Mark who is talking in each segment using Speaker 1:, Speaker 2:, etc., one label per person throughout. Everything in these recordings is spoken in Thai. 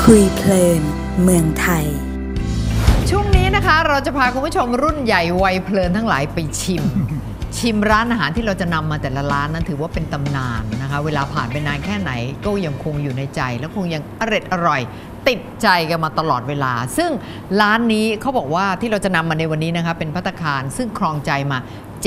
Speaker 1: คุยเพลินเมืองไทย
Speaker 2: ช่วงนี้นะคะเราจะพาคุณผู้ชมรุ่นใหญ่วัยเพลินทั้งหลายไปชิมร้านอาหารที่เราจะนำมาแต่ละร้านนั้นถือว่าเป็นตำนานนะคะเวลาผ่านไปนานแค่ไหนก็ยังคงอยู่ในใจและคงยังอร่อยติดใจกันมาตลอดเวลาซึ่งร้านนี้เขาบอกว่าที่เราจะนำมาในวันนี้นะคะเป็นภัตตาคารซึ่งครองใจมา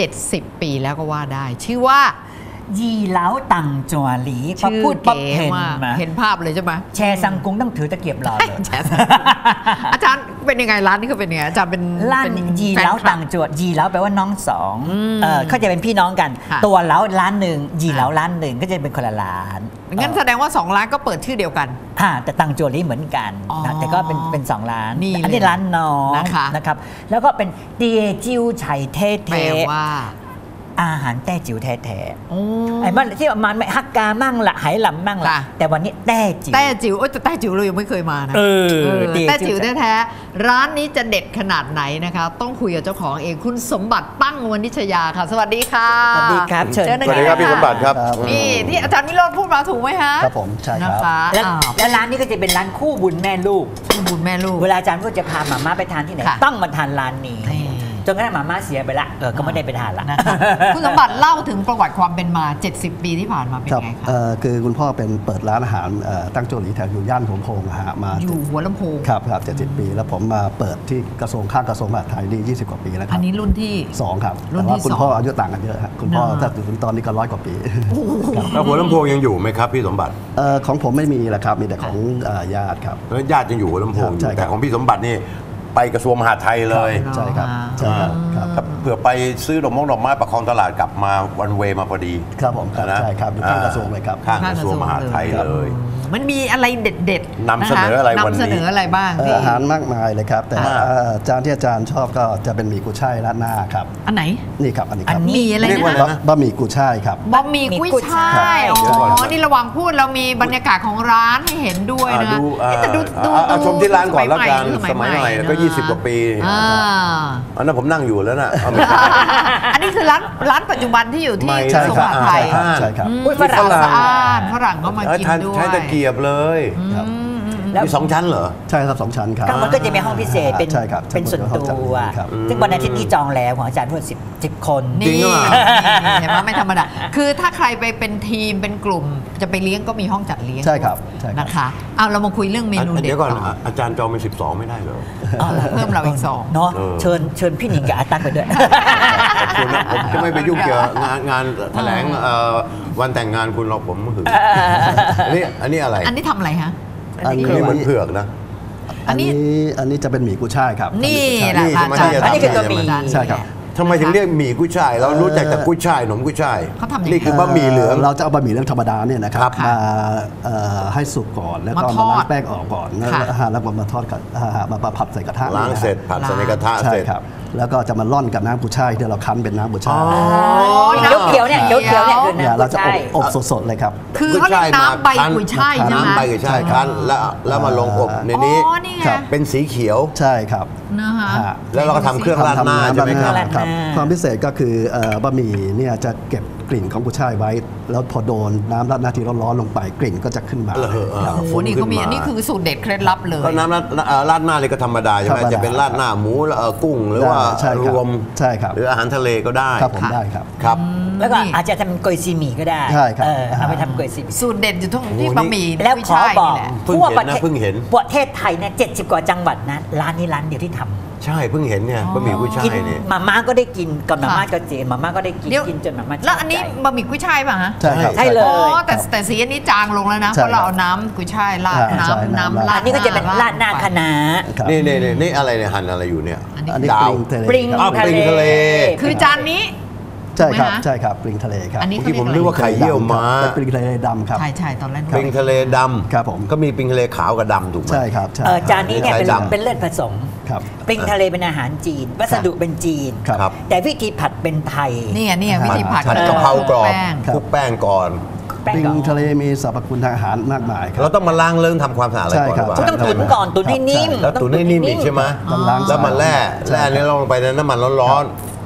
Speaker 2: 70 ปีแล้วก็ว่าได้ชื่อว่า
Speaker 3: ยีเหล้าตังจัวหลีพอพูดปั๊บ
Speaker 2: เห็นภาพเลยใช่ไหม
Speaker 3: แชร์ซังกุ้งต้องถือตะเกียบรอเลย
Speaker 2: อาจารย์เป็นยังไงร้านนี้เขาเป็นยังไงอาจารย์เป็น
Speaker 3: ร้านยีเหล้าตังจัวยีเหล้าแปลว่าน้องสองเขาจะเป็นพี่น้องกันตัวเหล้าร้านหนึ่งยีเหล้าร้านหนึ่งก็จะเป็นคนละร้าน
Speaker 2: งั้นแสดงว่า2ร้านก็เปิดชื่อเดียวกัน
Speaker 3: แต่ตังจัวหลีเหมือนกันแต่ก็เป็น2ร้านอันนี้ร้านน้องนะครับแล้วก็เป็นเตียจิ้วไฉเท่
Speaker 2: แปลว่า
Speaker 3: อาหารแต้จิ๋วแท้ๆไอ้มันที่มันไม่ฮักกามั่งละไหหลำมั่งละแต่วันนี้แต้จิ๋ว
Speaker 2: แต่แต้จิ๋วเรายังไม่เคยมานะแต้จิ๋วแท้ๆร้านนี้จะเด็ดขนาดไหนนะคะต้องคุยกับเจ้าของเองคุณสมบัติตั้งวณิชยาค่ะสวัสดีค่ะ
Speaker 3: สวัสดีครับ
Speaker 2: เชิญ
Speaker 4: สวัสดีครับพี่สมบัติครับ
Speaker 2: นี่ที่อาจารย์วิโรจน์พูดมาถูกไหมฮะ
Speaker 4: ครับผมใช่ครับ
Speaker 3: แล้วร้านนี้ก็จะเป็นร้านคู่บุญแม่ลูกเวลาอาจารย์ก็จะพาหม่าไปทานที่ไหนต้องมาทานร้านนี้จนกระทั่งหม่าเสียไปละก็ไม่ได้ไปทานละ
Speaker 2: คุณสมบัติเล่าถึงประวัติความเป็นมา70 ปีที่ผ่านมาเป็นไงคะ
Speaker 4: คือคุณพ่อเป็นเปิดร้านอาหารตั้งโจหลีแถวอยู่ย่านหัวลำโพงมา
Speaker 2: อยู่หัวลำโพง
Speaker 4: ครับ70 ปีแล้วผมมาเปิดที่กระทรวงข้างกระทรวงมหาดไทยนี่20 กว่าปีแล้วครับ
Speaker 2: อันนี้รุ่นที่
Speaker 4: 2ครับแต่ว่าคุณพ่ออายุต่างกันเยอะครับคุณพ่อถ้าถึงตอนนี้ก็100 กว่าปี
Speaker 5: แล้วหัวลำโพงยังอยู่ไหมครับพี่สมบัติ
Speaker 4: ของผมไม่มีแล้วครับมีแต่ของญาติครับ
Speaker 5: ญาติยังอยู่หัวลำโพงแต่ของพี่สมบัตินี่ไปกระทรวงมหาดไทยเลย
Speaker 4: ใช่ครับใช่ครับ
Speaker 5: เผื่อไปซื้อดอกไม้ประคองตลาดกลับมาวันเวมาพอดี
Speaker 4: ครับผมใช่ครับอยู่ข้างกระทรวงเลยครับ
Speaker 5: ข้างกระทรวงมหาดไทยเลย
Speaker 2: มันมีอะไรเด็ด
Speaker 5: ๆนำเสนออะไรวันนี้
Speaker 2: นำเสนออะไรบ้าง
Speaker 4: อาหารมากมายเลยครับแต่จานที่อาจารย์ชอบก็จะเป็นหมี่กุยช่ายราดหน้าครับ
Speaker 2: อันไหน
Speaker 4: นี่ครับอันนี้ครับ
Speaker 2: มีอะไรนะ
Speaker 4: บะหมี่กุยช่ายครับ
Speaker 2: บะหมี่กุยช่ายอ๋อนี่ระหว่างพูดเรามีบรรยากาศของร้านให้เห็นด้วยนะ
Speaker 5: แต่ดูชมที่ร้านก่อนแล้วกันสมัยใหม่ก็20 กว่าปีอันนั้นผมนั่งอยู่แล้วนะ
Speaker 2: อันนี้คือร้านปัจจุบันที่อยู่ที่สมหาไทย
Speaker 4: ใช่ครับ
Speaker 2: ฝรั่งก็มากินด้วย
Speaker 5: ใช้ตะเกียบเลยมี2 ชั้นเหรอ
Speaker 4: ใช่ครับ2 ชั้นครับ
Speaker 3: มันก็จะมีห้องพิเศษเป็นส่วนตัวซึ่งวันอาทิตย์นี้จองแล้วของอาจารย์พูด10 คน
Speaker 2: นี่เห็นไหมไม่ธรรมดาคือถ้าใครไปเป็นทีมเป็นกลุ่มจะไปเลี้ยงก็มีห้องจัดเลี้ยง
Speaker 4: ใช่ครับ
Speaker 2: นะคะเอาเรามาคุยเรื่องเมนูเด็ด
Speaker 5: เดี๋ยวก่อนอาจารย์จองเป็น12ไม่ได้เหรอ
Speaker 2: เพิ่มเราอีก2
Speaker 3: เนาะเชิญพี่หนิงกับอาตั๊กไปด้วย
Speaker 5: ขอบคุณนะผมจะไม่ไปยุ่งเกี่ยวงานแถลงวันแต่งงานคุณเราผมหึงอันนี้อะไร
Speaker 2: อันนี้ทำอะไรฮะ
Speaker 5: อันนี้เหมือนเผือกนะ
Speaker 4: อันนี้จะเป็นหมี่กุ้ยช่ายครับ
Speaker 2: นี่แหละค่ะ
Speaker 3: อันนี้คือตัวหมี่
Speaker 4: ใช่ครับ
Speaker 5: ทำไมถึงเรียกหมี่กุ้ยช่ายเรารู้จักแต่กุ้ยช่ายหนมกุ้ยช่ายนี่คือบะหมี่เหลือง
Speaker 4: เราจะเอาบะหมี่เหลืองธรรมดาเนี่ยนะครับมาให้สุกก่อนแล้วก็มาล้างแป้งออกก่อนแล้วก็มาทอดกับมาผัดใส่กระทะ
Speaker 5: ล้างเสร็จผัดใส่ในกระทะเสร็จ
Speaker 4: แล้วก็จะมาร่อนกับน้ำกุ้ยช่ายที่เราคั้นเป็นน้ำกุ้ยช่าย
Speaker 3: เขียวเนี่ย
Speaker 4: เราจะอบสดๆเลยครับ
Speaker 2: คือเขาเรียกน้ำใบกุ้ยช่ายใช่ไหม
Speaker 5: น้ำใบกุ้ยช่ายคั้นแล้วมาลงอบในนี้เป็นสีเขียว
Speaker 4: ใช่ครับ
Speaker 5: แล้วเราก็ทำเครื่องราดหน้าใช่ไหมครับ
Speaker 4: ความพิเศษก็คือบะหมี่เนี่ยจะเก็บกลิ่นของกุ้ยช่ายไว้แล้วพอโดนน้ำราดหน้าที่ร้อนๆลงไปกลิ่นก็จะขึ้นมา
Speaker 2: โอ้โหนี่เขามีอันนี้คือสูตรเด็ดเคล็ดลับเลย
Speaker 5: ก็น้ำราดหน้าเลยก็ธรรมดาใช่ไหมจะเป็นราดหน้าหมูกุ้งหรือว่ารวม
Speaker 4: ใช่ครับ
Speaker 5: หรืออาหารทะเลก็ได้
Speaker 4: ครับผมได้ครับ
Speaker 5: ครับ
Speaker 3: แล้วก็อาจจะทำโกยซีหมี่ก็ได้
Speaker 4: ใช่ครับ
Speaker 3: เอาไปทำโกยซีหมี่
Speaker 2: สูตรเด็ดอยู่ที่บะหมี่
Speaker 3: แล้วขอบอก
Speaker 5: ทั่วประ
Speaker 3: เทศไทยเนี่ย70 กว่าจังหวัดนะร้านนี้ร้านเดียวที่ทำ
Speaker 5: ใช่เพิ่งเห็นเนี่ยบะหมี่กุ้ยช่ายเนี่ย
Speaker 3: มาม่าก็ได้กินกับมาม่าก็เจนมาม่าก็ได้กินจนมาม่า
Speaker 2: แล้วอันนี้บะหมี่กุ้ยช่ายป่ะฮะ
Speaker 3: ใช่เลย
Speaker 2: แต่สีอันนี้จางลงแล้วนะเพราะเราเอาน้ำกุ้ยช่ายราดน้ำราด
Speaker 3: นี่ก็จะเป็นราดหน้าคะน้า
Speaker 5: นี่อะไรเนี่ยหั่นอะไรอยู่เนี่ย
Speaker 4: อันนี้
Speaker 3: ปริง
Speaker 5: ทะเล
Speaker 2: คือจานนี้
Speaker 4: ใช่ครับปริงทะเลครับ
Speaker 5: ที่ผมนึกว่าไข่เยี่ยวม้า
Speaker 4: เป็นปริงทะเลดำครับ
Speaker 2: ใช่ตอนแรก
Speaker 5: ปริงทะเลดำ
Speaker 4: ครับผม
Speaker 5: ก็มีปริงทะเลขาวกับดำถูกไหม
Speaker 4: ใช่ครับ
Speaker 3: จานนี้เนี่ยเป็นเลือดผสมปริงทะเลเป็นอาหารจีนวัสดุเป็นจีนแต่วิธีผัดเป็นไทย
Speaker 2: นี่วิธีผัด
Speaker 5: กะเพรากรอบคลุกแป้งก่อน
Speaker 4: ปริงทะเลมีสรรพคุณทางอาหารมากมายครับ
Speaker 5: เราต้องมาล้างเรื่องทำความสะอาดอะไรก่อน
Speaker 3: ต้องตุ๋นก่อนตุ๋นให้นิ่ม
Speaker 5: แล้วตุ๋นให้นิ่มอีกใช่ไหมแล้วมาแร่นี่ลงไปในน้ำมันร้อน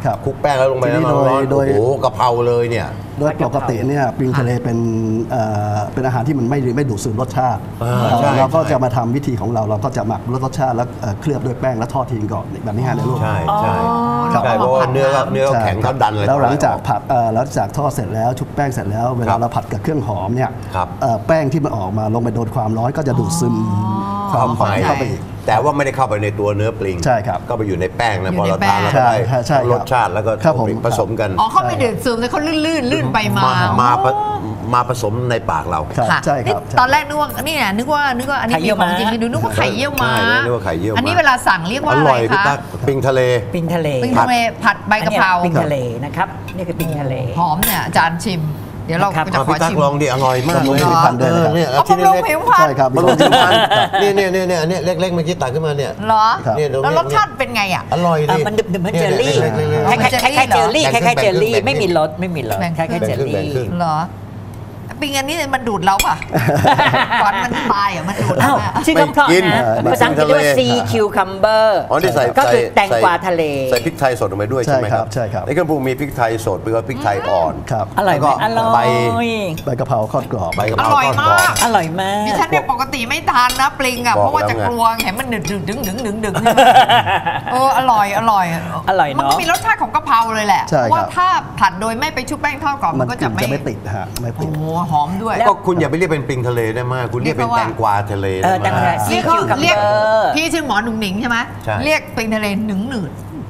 Speaker 4: ครับ
Speaker 5: คลุกแป้งแล้วลงไป
Speaker 4: ทีนี้
Speaker 5: น้ำร้อน
Speaker 4: โด
Speaker 5: โอ้
Speaker 4: ย
Speaker 5: โหกะเพราเลยเนี่ย
Speaker 4: โดยปกติเนี่ยปลิงทะเลเป็นอาหารที่มันไม่ดูดซึมรสชาติ
Speaker 5: ใช่
Speaker 4: เราก็
Speaker 5: ใช่
Speaker 4: จะมาทำวิธีของเราก็จะหมักรสชาติแล้วเคลือบด้วยแป้งแล้วทอดทิ้งก่อนแบบนี้ฮะในลูก
Speaker 5: ใช่ใช่
Speaker 2: ครับ
Speaker 5: ใช่เพราะว่าเนื้อเขาแข็งเขาดันเลย
Speaker 4: แล้วหลังจากผัดหลังจากทอดเสร็จแล้วชุบแป้งเสร็จแล้วเวลาเราผัดกับเครื่องหอมเนี่ย
Speaker 5: ครับ
Speaker 4: แป้งที่มันออกมาลงไปโดนความร้อนก็จะดูดซึมความหอมเข้าไปอีก
Speaker 5: แต่ว่าไม่ได้เข้าไปในตัวเนื้อปลิง
Speaker 4: ใช่ครับ
Speaker 5: ก็ไปอยู่ในแป้งนะ
Speaker 2: อยู่
Speaker 5: พอ
Speaker 2: ใน
Speaker 5: เรา
Speaker 2: แป้
Speaker 5: ทาง นแล้วก็ได้
Speaker 4: ใช่ครับ
Speaker 5: รสชาติแล้วก็
Speaker 4: ครับผม
Speaker 5: ผสมกัน
Speaker 2: อ๋อเขาไม่ดื่มซึมแต่เขาลื่นไปมา
Speaker 5: มาผสมในปากเรา
Speaker 4: ครับ
Speaker 2: ค่ะ
Speaker 4: ใช่ครับ
Speaker 2: นี่ตอนแรกนึกว่านี่นะนึกว่าอันนี้
Speaker 3: ไข่เยี่
Speaker 2: มี
Speaker 3: ยว
Speaker 2: ของจริง
Speaker 3: ม้า
Speaker 2: ให้ดูนึกว่าไข่เยี่ยวม้า
Speaker 5: ใช่นึกว่าไข่เยี่ยวม้า
Speaker 2: อันนี้เวลาสั่งเรียกว่า
Speaker 5: อ
Speaker 2: อะไร
Speaker 5: ร่อยพี่
Speaker 2: คะ
Speaker 5: ตั๊กปิงทะเล
Speaker 3: ปิงทะเล
Speaker 2: ปิ้งทะเลผัดใบกะเพรา
Speaker 3: อันนี้ปิงทะเลนะครับนี่คือปิงทะเล
Speaker 2: หอมเนี่ยอาจารย์ชิม เดี๋ยวเรา
Speaker 3: ครับ
Speaker 2: จะขอ
Speaker 5: พี่ตั๊ก
Speaker 2: ชิม
Speaker 5: ลองดิอร่อยมากเลย
Speaker 4: บำรุงผิวพรรณด้วยนะครับ
Speaker 5: เนี่ย
Speaker 2: เอา
Speaker 5: ชิ้น
Speaker 2: บำรุง
Speaker 5: เล็ก
Speaker 2: ผิวพรรณ
Speaker 4: ใช่ครับ
Speaker 5: ๆบำรุงผิวพรรณเนี่ยเล็กๆเมื่อกี้ตักขึ้นมาเนี่ย
Speaker 2: เหรอ
Speaker 4: ครับ
Speaker 5: เนี่ยเดี๋ยว
Speaker 2: แล้วรสชาติเป็นไงอ่ะ
Speaker 5: อร่อยดิ
Speaker 3: มันดึบเหมือนเจลลี่
Speaker 5: เล็กๆ
Speaker 2: คล้ายๆ
Speaker 3: คล้ายๆเจลลี่
Speaker 5: แบ่
Speaker 3: ค
Speaker 5: งครึ่
Speaker 3: ล้าง ยๆเจลลี่
Speaker 5: แบ่งครึ่ง
Speaker 3: ไม่มีรสคล้ายๆเจลลี่
Speaker 5: แบ่งครึ่ง
Speaker 2: เหรอปิงอันนี้มันดูดเราป่ะ ก่อนมันตายอ่ะมันดูดเรา
Speaker 3: อ้าว
Speaker 2: อะ
Speaker 3: ชื่อคำเพราะ
Speaker 5: ไม่กิน
Speaker 3: นะ
Speaker 5: ไม่กิน
Speaker 3: ภาษาอังกฤษเรียกว่า sea cucumber
Speaker 5: อ๋อนี่ใส่
Speaker 3: ก็คือแตงกวาทะเล
Speaker 5: ใส่พริกไทยสดลงไปด้วยใช่ไหมครับ
Speaker 4: ใช่ครับ
Speaker 5: ในเครื่องปรุงมีพริกไทยสดแล้วก็พริกไทยอ่อน
Speaker 4: ครับ
Speaker 3: อร่อยไหม
Speaker 5: แล้วก็
Speaker 3: อร่อย
Speaker 4: ใบกะเพราทอดกรอบ
Speaker 5: ใบกะเพ
Speaker 2: อ
Speaker 5: รา
Speaker 2: ร่อย
Speaker 5: ทอด
Speaker 2: มาก
Speaker 5: รอบ
Speaker 3: อร่อยมาก
Speaker 2: ดิฉันเนี่ยปกติไม่ทานนะปลิงอ่ะ
Speaker 5: บอก
Speaker 2: เพราะว่า
Speaker 5: แล้ว
Speaker 2: จะ
Speaker 5: ไง
Speaker 2: กลัวเห็นมันดึงอร่อย
Speaker 3: อร่อยเนอะ
Speaker 2: มันก็มีรสชาติของกะเพราเลยแหละ
Speaker 4: ใช่
Speaker 2: เพราะว่า
Speaker 4: ครับ
Speaker 2: ถ้าผัดโดยไม่ไปชุบแป้งทอดกรอบ
Speaker 4: มั
Speaker 2: มัน นก็
Speaker 4: กลิ่
Speaker 2: จะ
Speaker 4: น
Speaker 2: ไม่
Speaker 4: จะไม่ติดฮะไม่ติ
Speaker 2: โอ้
Speaker 4: ด
Speaker 2: โหหอมด้วย
Speaker 5: ก็คุณอย่าไปเรียกเป็นปลิงทะเลได้มากคุณเรียกเป็นแตงกวาทะเล
Speaker 3: เอ
Speaker 5: ได้
Speaker 3: อแตง
Speaker 5: มาก
Speaker 3: วา
Speaker 2: เรียก
Speaker 3: cucumber
Speaker 2: เรียกพี่ชื่อหมอหนุ่งหนิงใช่ไหม
Speaker 5: ใช่
Speaker 2: เรียกปลิงทะเลหนึ่งหนืด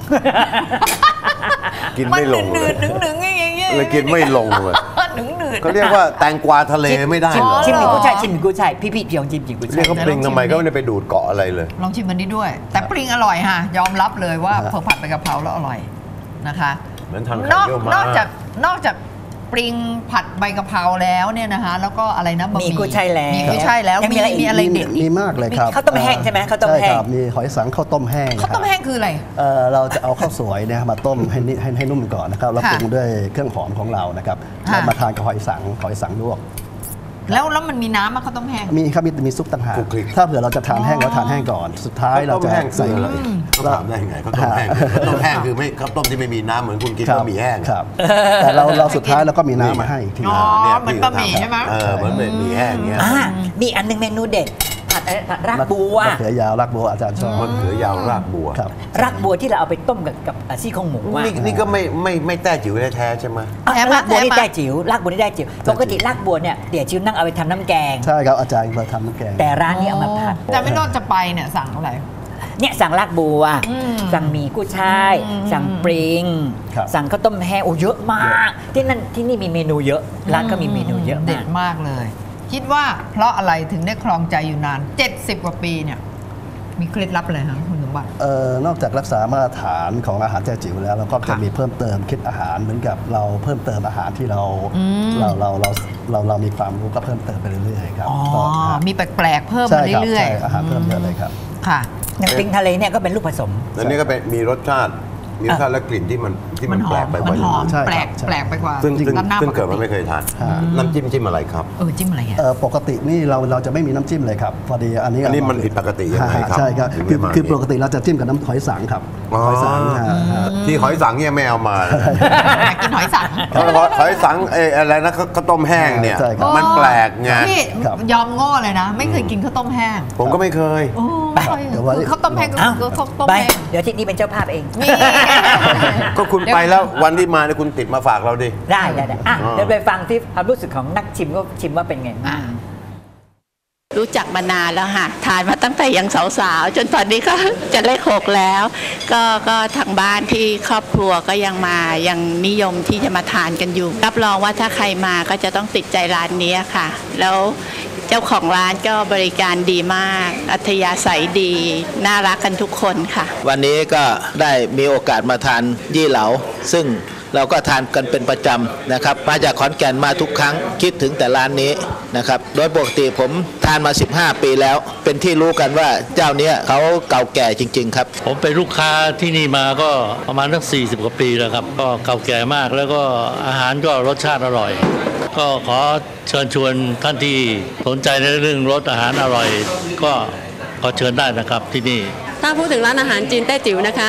Speaker 5: กินไม่ลง
Speaker 2: ห
Speaker 5: เล
Speaker 2: นื
Speaker 5: ย
Speaker 2: ดหนึ่งอย่างเงี้ย
Speaker 5: เลยกินไม่ลงเลย
Speaker 2: หนึ่งหนืด
Speaker 5: เขาเรียกว่าแตงกวาทะเลไม่ได้เหรอ
Speaker 3: ชิมหมี่
Speaker 2: อ๋อ
Speaker 3: กุ้ยช่ายชิมหมี่กุ้ยช่ายพี่เพียงชิมหมี่กุ้ย
Speaker 5: เรีย
Speaker 3: ช่าก ย
Speaker 5: เขาปลิงทำไมก็ไม่ได้ไปดูดเกาะอะไรเลย
Speaker 2: ลองชิมมันนี้ด้วย แต่ปลิงอร่อยค่ะยอมรับเลยว่าพอผัดไปกะเพราแล้วอร่อยนะคะ
Speaker 5: เหมือนทานไข่
Speaker 2: นอก
Speaker 5: เยี่ยวม้าน
Speaker 2: อกจากปลิงผัดใบกะเพราแล้วเนี่ยนะคะแล้วก็อะไรนะบะห
Speaker 3: มี
Speaker 2: มี่
Speaker 3: กุ้ยช่ายแล้ว
Speaker 2: มีกุ้ยช่ายแล้ว
Speaker 3: ยังมีอะไรอีก
Speaker 2: มีอะไรเด็ด
Speaker 4: มีมากเลยครับ
Speaker 3: ข้าวต้มแห้งใช่ไหมข้าวต้มแห้ง
Speaker 4: ใช่ครับมีหอยสังข้าวต้มแห้ง
Speaker 2: ข้าวต้มแห้งคืออะไร
Speaker 4: เราจะเอาข้าวสวยเนี่ยมาต้มให้นุ่มก่อนนะครับแล้ว
Speaker 2: ค่ะ
Speaker 4: ปรุงด้วยเครื่องหอมของเรานะครับ
Speaker 2: ค่ะ
Speaker 4: แล้วมาทานกับหอยสังลวก
Speaker 2: แล้วมันมีน้ำมาข้าวต้มแห้ง
Speaker 4: มีครับมีซุปต่างหาก
Speaker 5: คลุกคลิก
Speaker 4: ถ้าเผื่อเราจะทานแห้งเราทานแห้งก่อน สุดท้ายเรา
Speaker 5: ข้าวต้
Speaker 4: จะ
Speaker 5: มแห้ง
Speaker 4: ใส่
Speaker 5: คืออะไรเขาถามได้ไงข้าวต้มแห้งข้าวต้มแห้งคือไม่ข้าวต้มที่ไม่มีน้ำเหมือนคุณกิน
Speaker 4: ครับ
Speaker 5: บะหมี่แห้ง
Speaker 4: ครับ แต่เราสุดท้ายเราก็มีน้ำมาให้อีกที
Speaker 2: อ๋อ
Speaker 5: เนี่ย
Speaker 2: เหมือนบะหมี่ใช่ไหม
Speaker 5: เหมือนบะหมี่แห้งเงี้ย
Speaker 3: มีอันหนึงเมนูเด็ดผัดรากบัว
Speaker 4: มะเขือยาวรากบัวอาจารย์ชอบ
Speaker 5: มะเขือยาวรากบัว
Speaker 4: ครับ
Speaker 3: รากบัวที่เราเอาไปต้มกับซี่โครงหมูอะ
Speaker 5: นี่ก็ไม่แต้จิ๋วแท้ๆใช่ไหม
Speaker 2: แท้มาก
Speaker 3: รากบัวนี่
Speaker 2: แท้มาก
Speaker 3: ได้จิ๋วรากบัวนี่ได้จิ๋วปกติรากบัวเนี่ยเดี๋ยวจิ๋วนั่งเอาไปทำน้ำแกง
Speaker 4: ใช่ครับอาจารย์มาทำน้ำแกง
Speaker 3: แต่ร้านนี้เอามาผัด
Speaker 2: แต่ไม่รอดจะไปเนี่ยสั่งอะไร
Speaker 3: เนี่ยสั่งรากบัว
Speaker 2: อืม
Speaker 3: สั่งหมี่กุ้ยช่าย สั่งปริง
Speaker 4: ครับ
Speaker 3: สั่งข้าวต้มแห้งโอ้เยอะมาก ที่นี่มีเมนูเยอะ ร้านก็มีเมนูเยอะ
Speaker 2: เด็
Speaker 3: มา
Speaker 2: ด
Speaker 3: ก
Speaker 2: มากเลย คิดว่าเพราะอะไรถึงได้ครองใจอยู่นาน 70 กว่าปีเนี่ย มีเคล็ดลับอะไรคะคุณสมบัติ
Speaker 4: นอกจากรักษามาตรฐานของอาหารแจจิ๋วแล้วเราก็จะ
Speaker 2: ค่ะ
Speaker 4: มีเพิ่มเติมคิดอาหารเหมือนกับเราเพิ่มเติมอาหารที่เรามีความรู้ก็เพิ่มเติมไปเรื่อยๆครับ
Speaker 2: อ๋อ
Speaker 4: ก็
Speaker 2: มีแปลกๆเพิ่ม
Speaker 4: ใช่
Speaker 2: มา
Speaker 4: ครับ
Speaker 2: เรื่อย
Speaker 4: ใช่อาหารเพิ่มเยอะเลยครับ
Speaker 2: ค่ะ
Speaker 3: อย่างปริงทะเลเนี่ยก็เป็นลูกผสม
Speaker 5: อันนี้ก็เป็นมีรสชาติและกลิ่นที่มัน
Speaker 2: มันห
Speaker 5: แปล
Speaker 2: อก ม
Speaker 5: ไปก
Speaker 2: มั
Speaker 5: ว่าน
Speaker 2: หอม
Speaker 4: ใช่ครับ
Speaker 2: แปลก
Speaker 4: ใช่
Speaker 2: แปลกไปกว่า
Speaker 5: ซึ่ง
Speaker 2: ร้านหน้า
Speaker 5: ซึ่ง
Speaker 2: ปก
Speaker 5: เกิด
Speaker 2: ติ
Speaker 5: มาไม่เคยทาน
Speaker 4: ฮะ
Speaker 5: น้ำจิ้มอะไรครับ
Speaker 2: จิ้มอะไรอ่ะ
Speaker 4: ปกตินี่เราจะไม่มีน้ำจิ้มเลยครับพอดีอันนี้
Speaker 5: อันนี้มันผิดปกติยังไงครับ
Speaker 4: ใช่ครับ
Speaker 5: ถึงได้มา
Speaker 4: คือปกติเราจะจิ้มกับน้ำหอยสังครับ
Speaker 5: อ๋อ
Speaker 4: หอยสังฮะ
Speaker 5: ที่หอยสังเนี่ยไม่เอามา
Speaker 2: อยากกินหอยสัง
Speaker 5: หอยสังอะไรนะข้าวต้มแห้งเนี่ย
Speaker 4: ใช่ครับ
Speaker 5: มันแปลกไง
Speaker 2: พี่
Speaker 4: ครับ
Speaker 2: ยอมโง่เลยนะ ไม่เคยกินข้าวต้มแห้ง
Speaker 5: ผมก็ไม่เคย
Speaker 2: โอ้
Speaker 4: เดี๋ยวไว้
Speaker 2: คือข้าวต้มแห้งก็
Speaker 3: อ้าว
Speaker 2: คือข้าวต้ม
Speaker 3: ไป
Speaker 2: แห้ง
Speaker 3: เดี๋ยวที่นี่เป็นเจ้าภาพเอง
Speaker 2: นี่
Speaker 5: ก็คุณไปแล้ววันที่มาเนี่ยคุณติดมาฝากเราดิ
Speaker 3: ได้อ่ะ
Speaker 5: อ๋อ
Speaker 3: เดี๋ยวไปฟังที่ความรู้สึกของนักชิมก็ชิมว่าเป็นไง
Speaker 2: อ่า
Speaker 6: รู้จักมานานแล้วค่ะทานมาตั้งแต่ยังสาวๆจนตอนนี้ก็จะเลข6แล้ว ก็ทางบ้านที่ครอบครัวก็ยังนิยมที่จะมาทานกันอยู่ รับรองว่าถ้าใครมาก็จะต้องติดใจร้านนี้ค่ะ แล้วเจ้าของร้านก็บริการดีมากอัธยาศัยดีน่ารักกันทุกคนค่ะ
Speaker 7: วันนี้ก็ได้มีโอกาสมาทานยี่เหลาซึ่งเราก็ทานกันเป็นประจำนะครับมาจากขอนแก่นมาทุกครั้งคิดถึงแต่ร้านนี้นะครับโดยปกติผมทานมา15 ปีแล้วเป็นที่รู้กันว่าเจ้านี้เขาเก่าแก่จริงๆครับ
Speaker 8: ผมเป็นลูกค้าที่นี่มาก็ประมาณสัก40 กว่าปีแล้วครับก็เก่าแก่มากแล้วก็อาหารก็รสชาติอร่อย ก็ขอเชิญชวนท่านที่สนใจในเรื่องรสอาหารอร่อย ก็ขอเชิญได้นะครับที่นี่
Speaker 9: ถ้าพูดถึงร้านอาหารจีนแต้จิ๋วนะคะ ข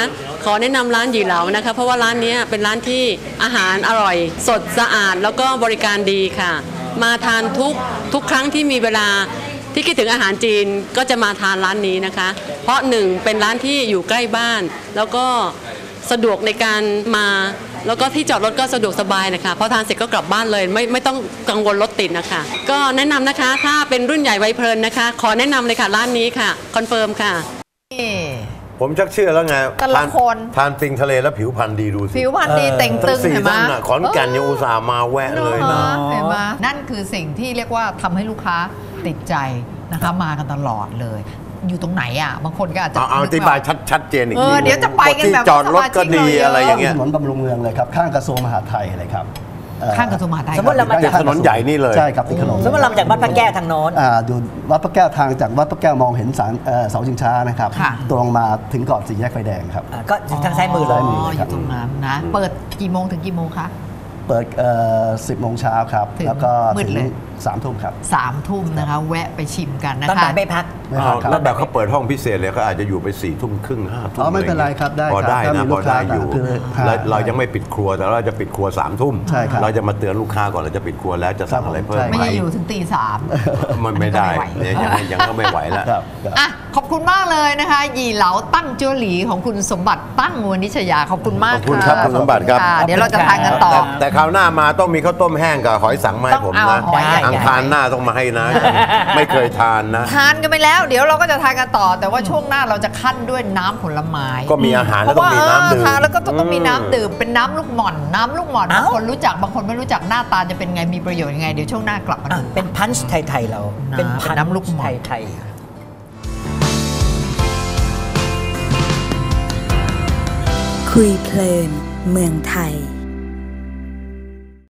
Speaker 9: ขอแนะนำร้านหยี่เหลานะคะเพราะว่าร้านนี้เป็นร้านที่อาหารอร่อยสดสะอาดแล้วก็บริการดีค่ะมาทานทุกครั้งที่มีเวลาที่คิดถึงอาหารจีนก็จะมาทานร้านนี้นะคะเพราะหนึ่งเป็นร้านที่อยู่ใกล้บ้านแล้วก็สะดวกในการมาแล้วก็ที่จอดรถก็สะดวกสบายนะคะพอทานเสร็จก็กลับบ้านเลยไม่ต้องกังวลรถติดนะคะก็แนะนำนะคะถ้าเป็นรุ่นใหญ่วัยเพลินนะคะขอแนะนำเลยค่ะร้านนี้ค่ะคอนเฟิร์มค่ะ
Speaker 5: ผมชักเชื่อแล้วไง
Speaker 2: แต่ละคน
Speaker 5: ทานปิงทะเลแล้วผิวพรรณดีดูสิ
Speaker 2: ผิวพรรณดีเต่งตึงเห็นไหม
Speaker 5: ขอนแก่นยังอุตส่าห์มาแวะเลยนะ
Speaker 2: เห็นไหมนั่นคือสิ่งที่เรียกว่าทำให้ลูกค้าติดใจนะคะมากันตลอดเลยอยู่ตรงไหนอ่ะบางคนก็อาจจะ
Speaker 5: เอาอธิบายชัดเจนอีกที
Speaker 2: เดี๋ยวจะไปกันแบบ
Speaker 5: จอดรถก็ดีอะไรอย่างเงี้ย
Speaker 4: ถนนบำรุงเมืองเลยครับข้างกระทรวงมหาดไทยเลยครับ
Speaker 2: ข้างกระทรวงมหาดไทย
Speaker 3: สมมติเรามาจาก
Speaker 5: ถนนใหญ่นี่เลย
Speaker 4: ใช่ครับติดถนน
Speaker 3: สมมติเราจากวัดพระแก้วทางโน้น
Speaker 4: ดูวัดพระแก้วทางจากวัดพระแก้วมองเห็นเสาชิงช้านะครับตรงมาถึงก่อนสี่แยกไฟแดงครับ
Speaker 3: ก็ทางซ้ายมือเลย
Speaker 2: อยู่ตรงนั้นนะเปิดกี่โมงถึงกี่โมงคะ
Speaker 4: เปิด10 โมงเช้าครับแล้วก็ถึง3 ทุ่มครับ
Speaker 2: 3 ทุ่มนะคะแวะไปชิมกันนะคะ
Speaker 3: ตอนบ่ายไม่พัก
Speaker 5: แล้วแบบเขาเปิดห้องพิเศษเลยเขาอาจจะอยู่ไป4 ทุ่มครึ่ง5 ทุ่ม
Speaker 4: ไม่เป็นไรครับได้
Speaker 5: พอได้นะพอได้อยู่เรายังไม่ปิดครัวแต่เราจะปิดครัว3 ทุ่มเราจะมาเตือนลูกค้าก่อนเราจะปิดครัวแล้วจะสั่งอะไรเพิ่ม
Speaker 2: ไม่ได้อยู่ถึงตี 3
Speaker 5: มันไม่ได้ยังก็ไม่ไหวแล้ว
Speaker 2: อ่ะขอบคุณมากเลยนะคะหยี่เหลาตั้งเจ้าหลีของคุณสมบัติตั้งวณิชยาขอบคุณมาก
Speaker 5: ขอบคุณครับคุณสมบัติครับ
Speaker 2: เดี๋ยวเราจะทานกันต่อ
Speaker 5: แต่คราวหน้ามาต้องมีข้าวต้มแห้งกับหอยสังมาให้ผมนะอังคารหน้าต้องมาให้นะไม่เคยทานนะ
Speaker 2: ทานกันไปแล้วเดี๋ยวเราก็จะทานกันต่อแต่ว่าช่วงหน้าเราจะขั้นด้วยน้ำผลไม้
Speaker 5: ก็มีอาหารแล้วต้องมีน้ำดื่ม
Speaker 2: ทานแล้วก็ต้องมีน้ำดื่มเป็นน้ำลูกหม่อนบางคนรู้จักบางคนไม่รู้จักหน้าตาจะเป็นไงมีประโยชน์ยังไงเดี๋ยวช่วงหน้ากลับมาดู
Speaker 3: เป็นพันช์ไทยๆเราเป็น
Speaker 2: น้ำลูกหม่อน
Speaker 3: ไทย
Speaker 1: คุยเพลินเมืองไทย